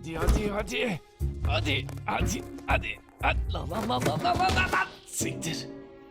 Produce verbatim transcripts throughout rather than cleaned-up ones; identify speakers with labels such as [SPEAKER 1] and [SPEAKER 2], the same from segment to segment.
[SPEAKER 1] Hadi hadi hadi. Hadi hadi hadi. Hadi. Lan lan lan lan lan lan lan lan. Siktir.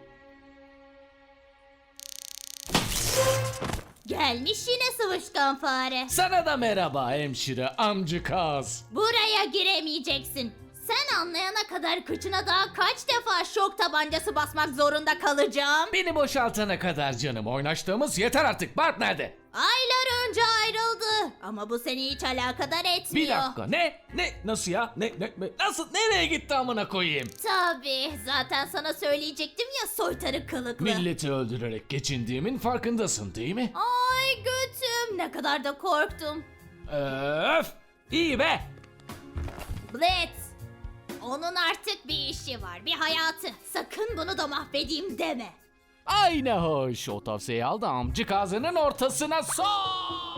[SPEAKER 2] Gelmiş yine sıvışkan fare.
[SPEAKER 1] Sana da merhaba hemşire amcıkaz.
[SPEAKER 2] Buraya giremeyeceksin. Sen anlayana kadar kıçına daha kaç defa şok tabancası basmak zorunda kalacağım.
[SPEAKER 1] Beni boşaltana kadar canım oynaştığımız yeter artık. Bart nerede?
[SPEAKER 2] Aylar önce ayrıldı. Ama bu seni hiç alakadar etmiyor.
[SPEAKER 1] Bir dakika ne? Ne? Nasıl ya? Ne? Ne? ne- Nasıl? Nereye gitti amına koyayım?
[SPEAKER 2] Tabii zaten sana söyleyecektim ya soytarı kılıklı.
[SPEAKER 1] Milleti öldürerek geçindiğimin farkındasın değil mi?
[SPEAKER 2] Ay götüm ne kadar da korktum.
[SPEAKER 1] Öf! İyi be!
[SPEAKER 2] Blitz. Onun artık bir işi var, bir hayatı. Sakın bunu da mahvedeyim deme.
[SPEAKER 1] Ay ne hoş. O tavsiyeyi al da amcık ağzının ortasına sok!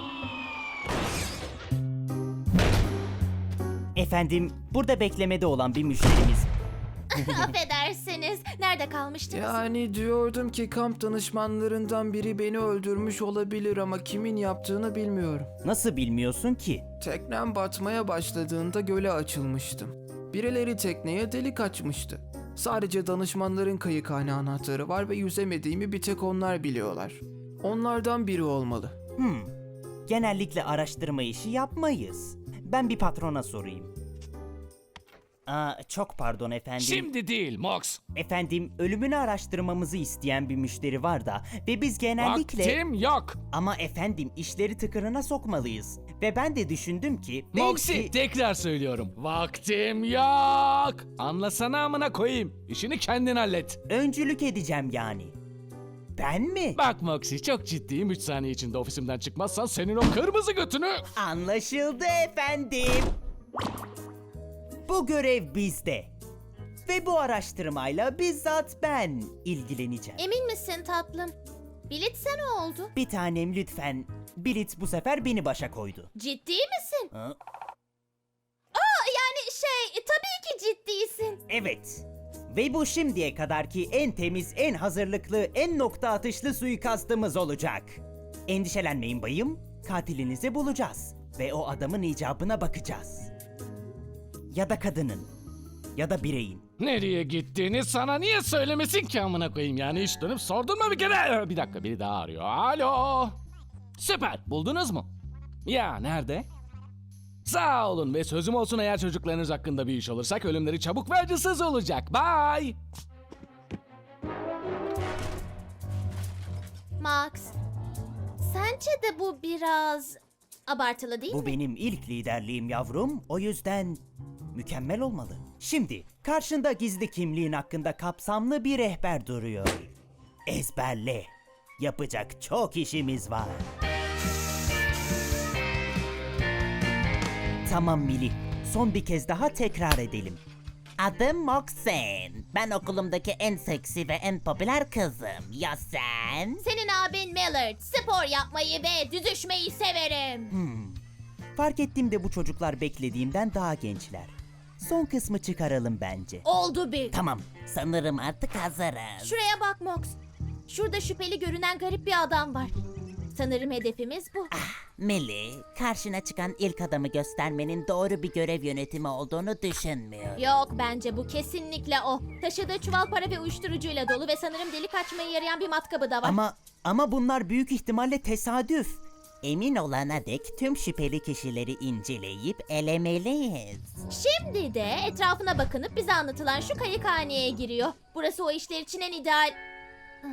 [SPEAKER 3] Efendim, burada beklemede olan bir müşterimiz.
[SPEAKER 2] Affedersiniz. Nerede kalmıştınız?
[SPEAKER 4] Yani diyordum ki kamp danışmanlarından biri beni öldürmüş olabilir ama kimin yaptığını bilmiyorum.
[SPEAKER 3] Nasıl bilmiyorsun ki?
[SPEAKER 4] Teknem batmaya başladığında göle açılmıştım. Birileri tekneye delik açmıştı. Sadece danışmanların kayıkhane anahtarı var ve yüzemediğimi bir tek onlar biliyorlar. Onlardan biri olmalı.
[SPEAKER 3] Hmm. Genellikle araştırma işi yapmayız. Ben bir patrona sorayım. Aa, çok pardon efendim.
[SPEAKER 1] Şimdi değil Mox.
[SPEAKER 3] Efendim, ölümünü araştırmamızı isteyen bir müşteri var da ve biz genellikle...
[SPEAKER 1] Vaktim yok.
[SPEAKER 3] Ama efendim, işleri tıkırına sokmalıyız. Ve ben de düşündüm ki...
[SPEAKER 1] Moxie
[SPEAKER 3] belki...
[SPEAKER 1] tekrar söylüyorum. Vaktim yok. Anlasana amına koyayım. İşini kendin hallet.
[SPEAKER 3] Öncülük edeceğim yani. Ben mi?
[SPEAKER 1] Bak Moxie çok ciddiyim. üç saniye içinde ofisimden çıkmazsan senin o kırmızı götünü...
[SPEAKER 3] Anlaşıldı efendim. Bu görev bizde. Ve bu araştırmayla bizzat ben ilgileneceğim.
[SPEAKER 2] Emin misin tatlım? Blitz ne oldu?
[SPEAKER 3] Bir tanem lütfen. Blitz bu sefer beni başa koydu.
[SPEAKER 2] Ciddi misin?
[SPEAKER 3] Ha?
[SPEAKER 2] Aa, yani şey tabii ki ciddiysin.
[SPEAKER 3] Evet. Ve bu şimdiye kadarki en temiz, en hazırlıklı, en nokta atışlı suikastımız olacak. Endişelenmeyin bayım. Katilinizi bulacağız. Ve o adamın icabına bakacağız. Ya da kadının. Ya da bireyin.
[SPEAKER 1] Nereye gittiğini sana niye söylemesin ki amına koyayım yani hiç dönüp sordun mu bir kere? Bir dakika biri daha arıyor. Alo. Süper buldunuz mu? Ya nerede? Sağ olun ve sözüm olsun eğer çocuklarınız hakkında bir iş olursak ölümleri çabuk ve acısız olacak. Bye.
[SPEAKER 2] Max, sence de bu biraz abartılı değil
[SPEAKER 3] Bu
[SPEAKER 2] mi?
[SPEAKER 3] benim ilk liderliğim yavrum. O yüzden mükemmel olmalı. Şimdi karşında gizli kimliğin hakkında kapsamlı bir rehber duruyor. Ezberle. Yapacak çok işimiz var. Tamam Mili. Son bir kez daha tekrar edelim. Adım Moxen. Ben okulumdaki en seksi ve en popüler kızım. Ya sen?
[SPEAKER 2] Senin abin Millard, spor yapmayı ve düzüşmeyi severim.
[SPEAKER 3] Fark ettim de bu çocuklar beklediğimden daha gençler. Son kısmı çıkaralım bence.
[SPEAKER 2] Oldu bir.
[SPEAKER 3] Tamam. Sanırım artık hazırız.
[SPEAKER 2] Şuraya bak Mox. Şurada şüpheli görünen garip bir adam var. Sanırım hedefimiz bu.
[SPEAKER 3] Millie, karşına çıkan ilk adamı göstermenin doğru bir görev yönetimi olduğunu düşünmüyorum.
[SPEAKER 2] Yok bence bu kesinlikle o. Taşıdığı çuval para ve uyuşturucuyla dolu ve sanırım delik açmaya yarayan bir matkabı da var.
[SPEAKER 3] Ama ama bunlar büyük ihtimalle tesadüf. Emin olana dek tüm şüpheli kişileri inceleyip elemeliyiz.
[SPEAKER 2] Şimdi de etrafına bakınıp bize anlatılan şu kayıkhaneye giriyor. Burası o işler için en ideal... Hıh.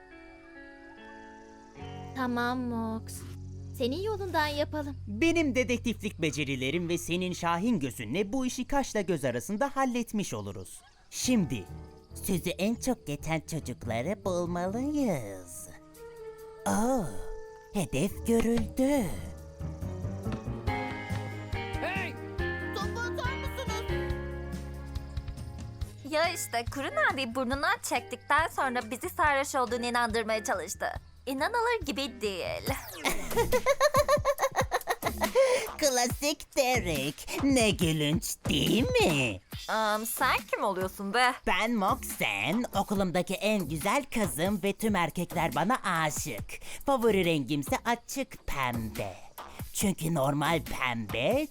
[SPEAKER 2] Tamam Mox. Senin yolundan yapalım.
[SPEAKER 3] Benim dedektiflik becerilerim ve senin şahin gözünle bu işi kaşla göz arasında halletmiş oluruz. Şimdi sözü en çok geçen çocukları bulmalıyız. Aa, hedef görüldü.
[SPEAKER 1] Hey.
[SPEAKER 2] Topu atar mısınız?
[SPEAKER 5] Ya işte Kurun abi burnundan çektikten sonra bizi sarhoş olduğunu inandırmaya çalıştı. İnanılır gibi değil.
[SPEAKER 3] Klasik Derek. Ne gülünç değil mi?
[SPEAKER 5] Um, sen kim oluyorsun be?
[SPEAKER 3] Ben Moxen, okulumdaki en güzel kızım ve tüm erkekler bana aşık. Favori rengimse açık pembe. Çünkü normal pembe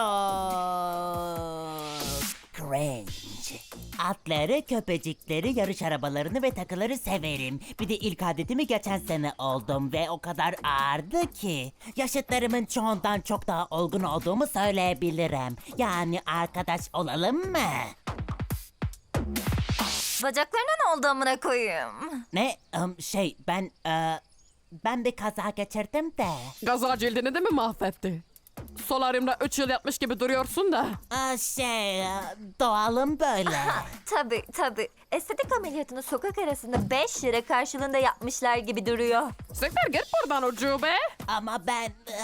[SPEAKER 3] çok cringe. Atları, köpecikleri, yarış arabalarını ve takıları severim. Bir de ilk adetimi geçen sene oldum ve o kadar ağırdı ki yaşıtlarımın çoğundan çok daha olgun olduğumu söyleyebilirim. Yani arkadaş olalım mı?
[SPEAKER 5] Bacaklarına ne oldu amına koyayım?
[SPEAKER 3] Ne? Im, şey ben e, ben bir kaza geçirdim de.
[SPEAKER 6] Gaza cildini de mi mahvetti? Solaryumda üç yıl yatmış gibi duruyorsun da.
[SPEAKER 3] Aa, şey e, doğalım böyle.
[SPEAKER 5] Tabii tabii. Estetik ameliyatını sokak arasında beş lira karşılığında yapmışlar gibi duruyor.
[SPEAKER 6] Siktir git buradan ucube.
[SPEAKER 3] Ama ben e,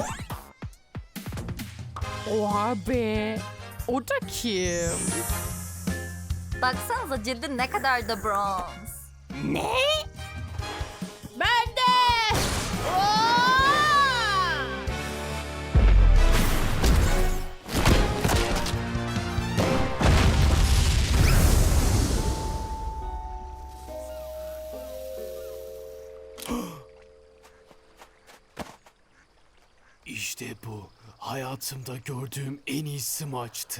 [SPEAKER 6] Oha be. O da kim?
[SPEAKER 5] Baksanıza cildin ne kadar da bronz.
[SPEAKER 3] ne?
[SPEAKER 2] Ben de! Oo!
[SPEAKER 7] İşte bu. Hayatımda gördüğüm en iyi smaçtı.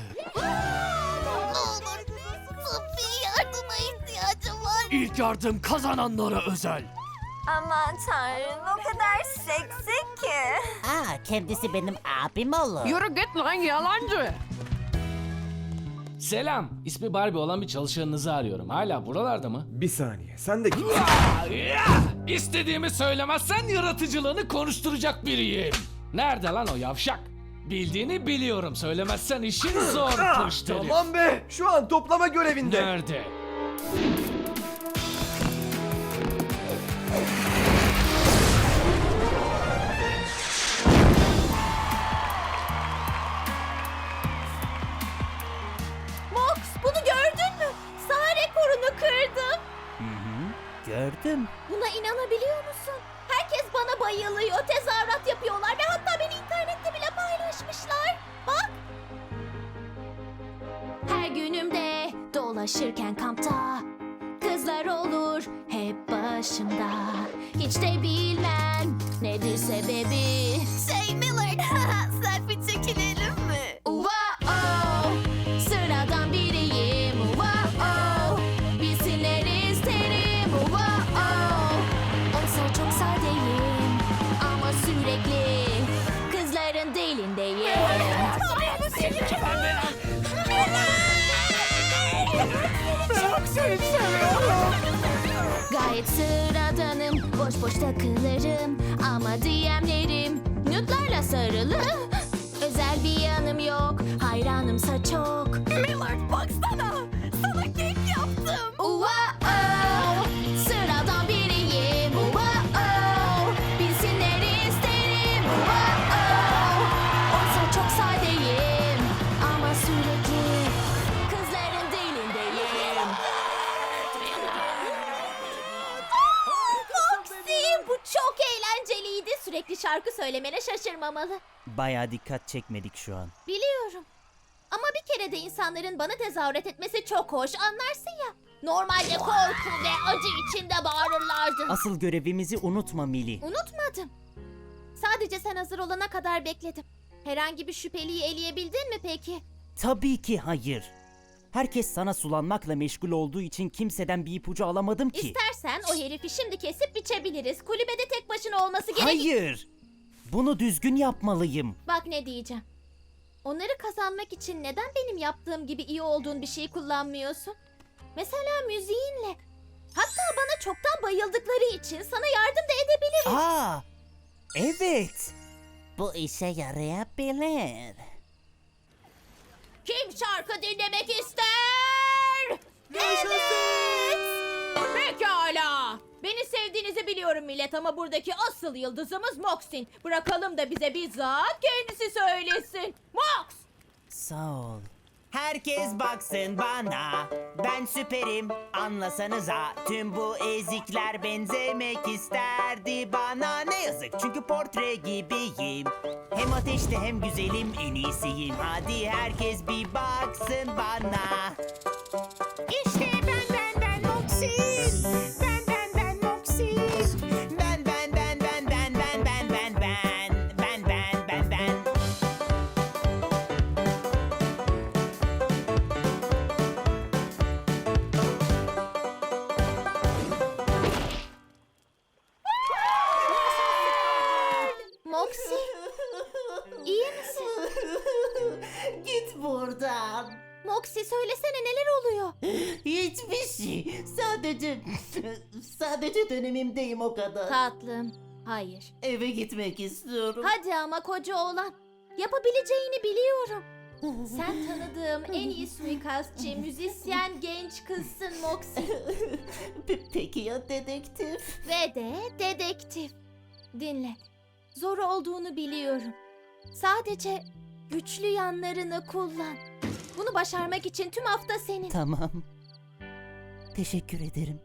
[SPEAKER 5] Sophie yardıma ihtiyacım var.
[SPEAKER 7] İlk yardım kazananlara özel.
[SPEAKER 5] Aman tanrım o kadar seksi ki.
[SPEAKER 3] Aa, kendisi benim abim olur.
[SPEAKER 6] Yürü git lan yalancı.
[SPEAKER 1] Selam. İsmi Barbie olan bir çalışanınızı arıyorum. Hala buralarda mı?
[SPEAKER 8] Bir saniye, sen de kim?
[SPEAKER 1] Ya, ya! İstediğimi söylemezsen yaratıcılığını konuşturacak biriyim. Nerede lan o yavşak? Bildiğini biliyorum. Söylemezsen işin zor
[SPEAKER 8] Ah,
[SPEAKER 1] müşteri.
[SPEAKER 8] tamam be, şu an toplama görevinde.
[SPEAKER 1] Nerede?
[SPEAKER 2] Mox, bunu gördün mü? Sağ rekorunu kırdım.
[SPEAKER 3] Gördüm.
[SPEAKER 2] Buna inanabiliyor musun? Herkes bana bayılıyor, tezahürat yapıyorlar ve hatta beni internette bile paylaşmışlar. Bak. Her günümde dolaşırken kampta kızlar olur hep başımda. Hiç de bilmem nedir sebebi. Şey Millard, selfie çekinelim mi? Wow, sıradan biriyim. Wow, bilsinler isterim. Wow, oysa çok sadeyim ama sürekli kızların dilindeyim. Çok seni seviyorum. Gayet sıradanım, boş boş takılırım ama D M'lerim nude'larla sarılı. Özel bir yanım yok, hayranımsa çok. Millard baksana, sana kek yaptım. Wow, sıradan biriyim. Wow, bilsinler isterim. Wow, oysa çok sadeyim ama sürekli kızların dilindeyim. Foxy, bu çok eğlenceliydi. Sürekli şarkı söylemene şaşırmamalı.
[SPEAKER 3] Bayağı dikkat çekmedik şu an.
[SPEAKER 2] Biliyorum. Ama bir kere de insanların bana tezahürat etmesi çok hoş, anlarsın ya. Normalde korku ve acı içinde bağırırlardı.
[SPEAKER 3] Asıl görevimizi unutma Mili.
[SPEAKER 2] Unutmadım. Sadece sen hazır olana kadar bekledim. Herhangi bir şüpheliyi eleyebildin mi peki?
[SPEAKER 3] Tabii ki hayır. Herkes sana sulanmakla meşgul olduğu için kimseden bir ipucu alamadım ki.
[SPEAKER 2] İstersen o herifi şimdi kesip biçebiliriz. Kulübede tek başına olması gerek.
[SPEAKER 3] Hayır. Bunu düzgün yapmalıyım.
[SPEAKER 2] Bak ne diyeceğim. Onları kazanmak için neden benim yaptığım gibi iyi olduğun bir şey kullanmıyorsun? Mesela müziğinle. Hatta bana çoktan bayıldıkları için sana yardım da edebilirim.
[SPEAKER 3] Aa, evet. Bu işe yarayabilir.
[SPEAKER 2] Kim şarkı dinlemek ister? Evet. Pekala. Beni sevdiğinizi biliyorum millet ama buradaki asıl yıldızımız Mox'in. Bırakalım da bize bizzat kendisi söylesin. Mox!
[SPEAKER 3] Sağ ol. Herkes baksın bana, ben süperim, anlasanıza. Tüm bu ezikler benzemek isterdi bana. Ne yazık çünkü portre gibiyim. Hem ateşte hem güzelim, en iyisiyim. Hadi herkes bir baksın bana. İşte ben ben ben Moxie. Ben ben ben Moxie. Ben ben ben ben ben ben ben ben ben ben ben ben
[SPEAKER 9] Moxie. Sadece... Sadece dönemimdeyim o kadar.
[SPEAKER 2] Tatlım, hayır.
[SPEAKER 9] Eve gitmek istiyorum.
[SPEAKER 2] Hadi ama koca oğlan. Yapabileceğini biliyorum. Sen tanıdığım en iyi suikastçı, müzisyen genç kızsın Moxie.
[SPEAKER 9] Pe- Peki ya dedektif?
[SPEAKER 2] Ve de dedektif. Dinle. Zor olduğunu biliyorum. Sadece güçlü yanlarını kullan. Bunu başarmak için tüm hafta senin.
[SPEAKER 9] Tamam. Teşekkür ederim.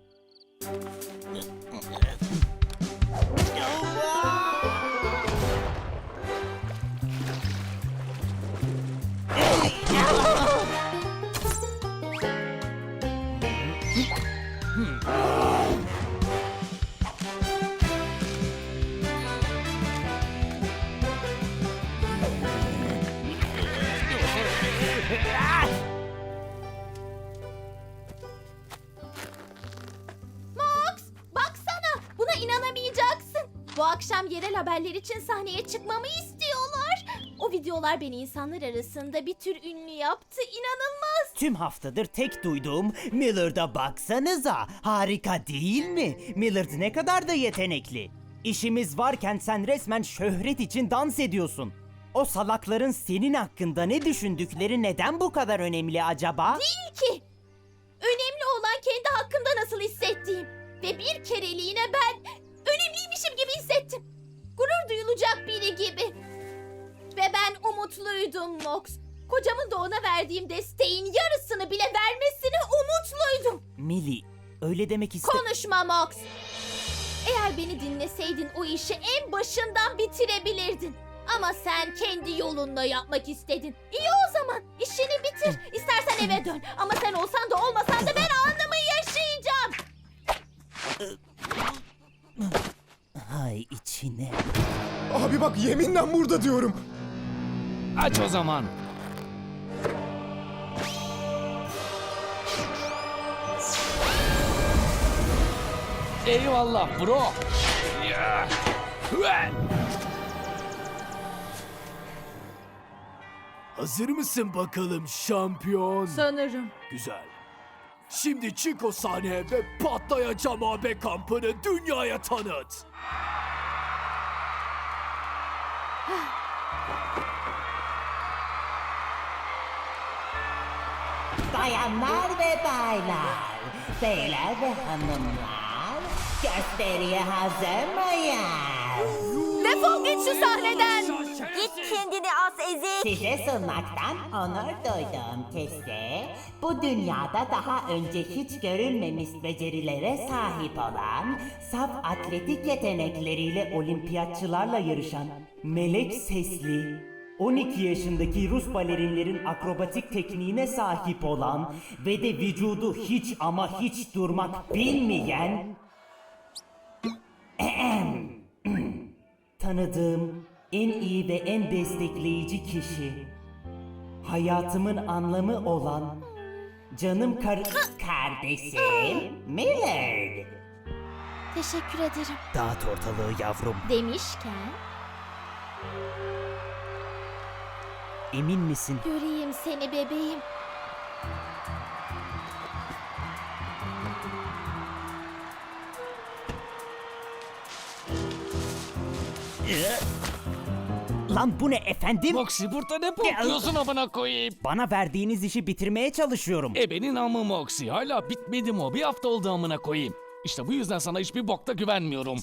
[SPEAKER 2] Mox, baksana. Buna inanamayacaksın. Bu akşam yerel haberler için sahneye çıkmamı istiyorlar. O videolar beni insanlar arasında bir tür ünlü yaptı. İnanılmaz.
[SPEAKER 3] Tüm haftadır tek duyduğum Millard'a baksanıza. Harika değil mi? Millard ne kadar da yetenekli. İşimiz varken sen resmen şöhret için dans ediyorsun. O salakların senin hakkında ne düşündükleri neden bu kadar önemli acaba?
[SPEAKER 2] Değil ki. Önemli olan kendi hakkımda nasıl hissettiğim. Ve bir kereliğine ben önemliymişim gibi hissettim. Gurur duyulacak biri gibi. Ve ben umutluydum Mox. Kocamın da ona verdiğim desteğin yarısını bile vermesine umutluydum.
[SPEAKER 3] Millie, öyle demek iste...
[SPEAKER 2] Konuşma Mox. Eğer beni dinleseydin o işi en başından bitirebilirdin. Ama sen kendi yolunla yapmak istedin. İyi o zaman. İşini bitir. İstersen eve dön. Ama sen olsan da olmasan da ben anımı yaşayacağım.
[SPEAKER 3] Hay içine.
[SPEAKER 8] Abi bak yeminle burada diyorum.
[SPEAKER 1] Aç o zaman. Eyvallah bro. Ya. Hüe.
[SPEAKER 7] Hazır mısın bakalım şampiyon?
[SPEAKER 2] Sanırım.
[SPEAKER 7] Güzel. Şimdi çık o sahneye ve patlayacağım A B kampını dünyaya tanıt.
[SPEAKER 9] Bayanlar ve baylar, beyler ve hanımlar, gösteriye hazır mıyız?
[SPEAKER 2] Defol git şu sahneden.
[SPEAKER 5] Git kendini as ezik.
[SPEAKER 9] Size sunmaktan onur duyduğum kişi, bu dünyada daha önce hiç görülmemiş becerilere sahip olan, saf atletik yetenekleriyle olimpiyatçılarla yarışan,
[SPEAKER 3] Melek sesli, on iki yaşındaki Rus balerinlerin akrobatik tekniğine sahip olan ve de vücudu hiç ama hiç durmak bilmeyen tanıdığım en iyi ve en destekleyici kişi, hayatımın anlamı olan canım kar kardeşim Millard.
[SPEAKER 2] Teşekkür ederim.
[SPEAKER 3] Dağıt ortalığı yavrum.
[SPEAKER 2] Demişken
[SPEAKER 3] Emin misin?
[SPEAKER 2] göreyim seni bebeğim.
[SPEAKER 3] Lan bu ne efendim?
[SPEAKER 1] Moxie burada ne bakıyorsun amına koyayım?
[SPEAKER 3] Bana verdiğiniz işi bitirmeye çalışıyorum.
[SPEAKER 1] Ebenin amı Moxie. Hala bitmedi mi o? Bir hafta oldu amına koyayım. İşte bu yüzden sana hiçbir bokta güvenmiyorum.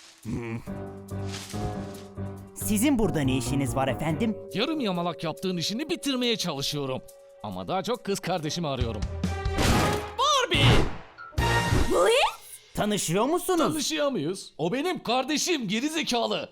[SPEAKER 3] Sizin burada ne işiniz var efendim?
[SPEAKER 1] Yarım yamalak yaptığın işini bitirmeye çalışıyorum. Ama daha çok kız kardeşimi arıyorum. Barbie!
[SPEAKER 3] Tanışıyor musunuz?
[SPEAKER 1] Tanışıyor muyuz? O benim kardeşim gerizekalı.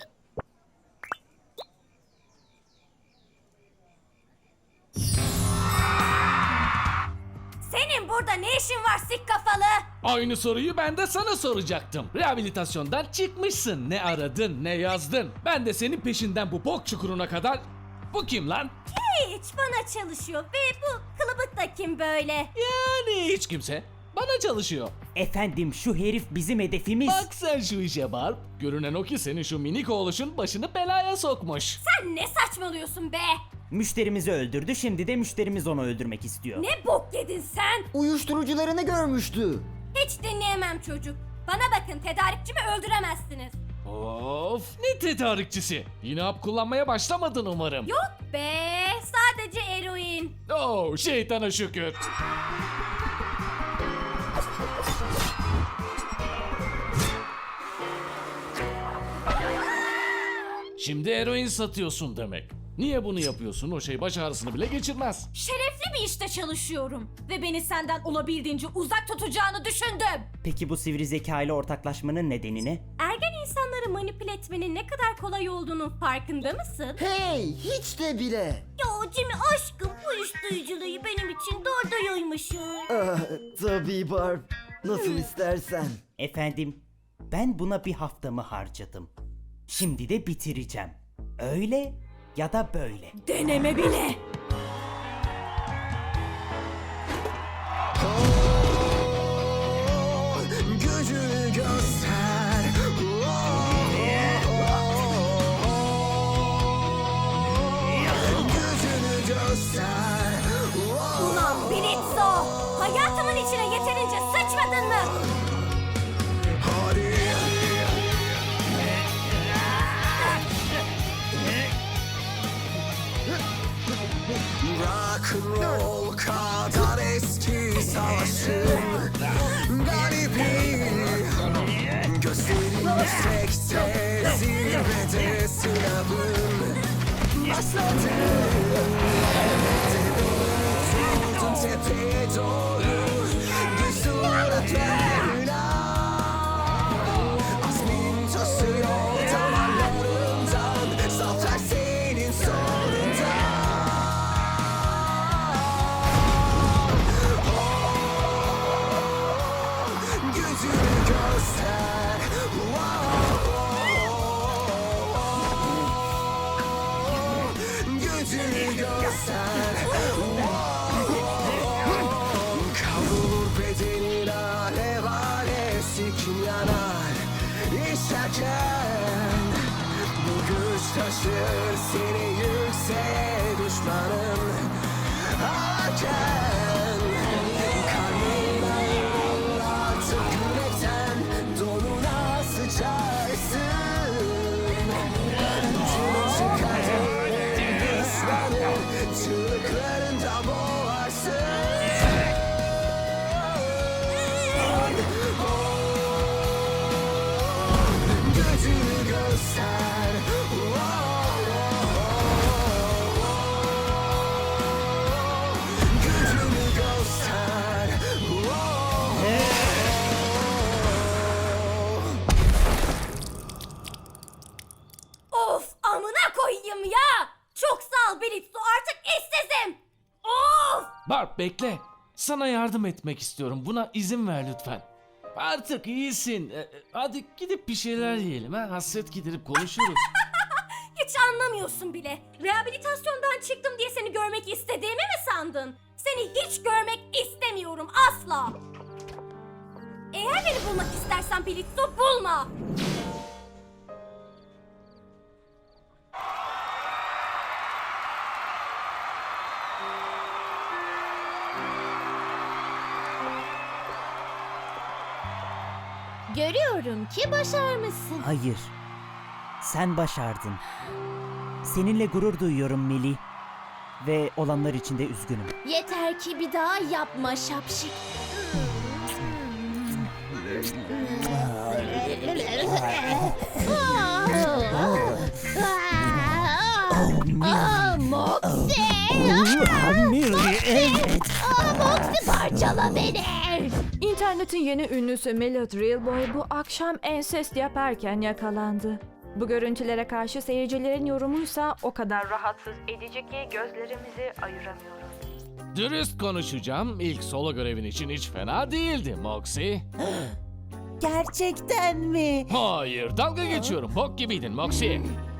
[SPEAKER 5] Senin burada ne işin var sik kafalı?
[SPEAKER 1] Aynı soruyu ben de sana soracaktım. Rehabilitasyondan çıkmışsın. Ne aradın, ne yazdın. Ben de senin peşinden bu bok çukuruna kadar... Bu kim lan?
[SPEAKER 5] Hiç bana çalışıyor ve bu kılıbık da kim böyle?
[SPEAKER 1] Yani hiç kimse. Bana çalışıyor.
[SPEAKER 3] Efendim şu herif bizim hedefimiz.
[SPEAKER 1] Bak sen şu işe Barb. Görünen o ki senin şu minik oğluşun başını belaya sokmuş.
[SPEAKER 2] Sen ne saçmalıyorsun be?
[SPEAKER 3] Müşterimizi öldürdü, şimdi de müşterimiz onu öldürmek istiyor.
[SPEAKER 2] Ne bok yedin sen?
[SPEAKER 10] Uyuşturucularını görmüştü.
[SPEAKER 2] Hiç dinleyemem çocuk. Bana bakın, tedarikçimi öldüremezsiniz.
[SPEAKER 1] Of, ne tedarikçisi. Yine hap kullanmaya başlamadın umarım.
[SPEAKER 2] Yok be, sadece eroin.
[SPEAKER 1] Oh, şeytana şükür. Şimdi eroin satıyorsun demek. Niye bunu yapıyorsun? O şey baş ağrısını bile geçirmez.
[SPEAKER 2] Şerefli bir işte çalışıyorum. Ve beni senden olabildiğince uzak tutacağını düşündüm.
[SPEAKER 3] Peki bu sivri zeka ile ortaklaşmanın nedeni ne?
[SPEAKER 2] Ergen insanları manipüle etmenin ne kadar kolay olduğunun farkında mısın?
[SPEAKER 10] Hey, hiç de bile.
[SPEAKER 2] Ya Jimmy aşkım, bu uyuşturuculuğu benim için doğruymuş.
[SPEAKER 10] Ah, tabii Barb. Nasıl istersen.
[SPEAKER 3] Efendim, ben buna bir haftamı harcadım. Şimdi de bitireceğim. Öyle ya da böyle.
[SPEAKER 2] Deneme bile.
[SPEAKER 7] Gücünü göster. Gücünü göster.
[SPEAKER 2] Ulan Blitzo! Hayatımın içine yeterince sıçmadın mı?
[SPEAKER 7] Hadi. Rock and roll kadar eski savaşın garibi. Gözlerin yüksekte, zirvede sınavın başladı. Tutuldun tepeye doğru, güçlü öğretmenler. Azmin taşıyor damarlarından, zafer senin sonunda. Gücünü göster. Gücünü göster. Kavrulur bedenin alev alev, sikin yanar İşerken bu güç taşır seni yükseğe düşmanın ağlarken. Karnından artık yürekten donuna sıçarsın. Canın çıkar düşmanın çığlıklarında boğarsın. Gücünü göster. Gücünü göster.
[SPEAKER 2] Of, amına koyayım ya! Çok sağ ol Blitzo, artık işsizim! Of!
[SPEAKER 1] Barb bekle. Sana yardım etmek istiyorum. Buna izin ver lütfen. Artık iyisin. Ee, Hadi gidip bir şeyler yiyelim ha. Hasret giderip konuşuruz.
[SPEAKER 2] Hiç anlamıyorsun bile. Rehabilitasyondan çıktım diye seni görmek istediğimi mi sandın? Seni hiç görmek istemiyorum asla. Eğer beni bulmak istersen Blitzo, bulma. Görüyorum ki başarmışsın.
[SPEAKER 3] Hayır. Sen başardın. Seninle gurur duyuyorum Millie. Ve olanlar için de üzgünüm.
[SPEAKER 2] Yeter ki bir daha yapma şapşik. Aa, Moxie!
[SPEAKER 3] Evet.
[SPEAKER 2] Aa, Moxie, parçala beni!
[SPEAKER 11] İnternetin yeni ünlüsü Melody Realboy bu akşam ensest yaparken yakalandı. Bu görüntülere karşı seyircilerin yorumuysa o kadar rahatsız edici ki gözlerimizi ayıramıyoruz.
[SPEAKER 1] Dürüst konuşacağım. İlk solo görevin için hiç fena değildi Moxie.
[SPEAKER 3] Gerçekten mi?
[SPEAKER 1] Hayır, dalga geçiyorum. Bok gibiydin Moxie.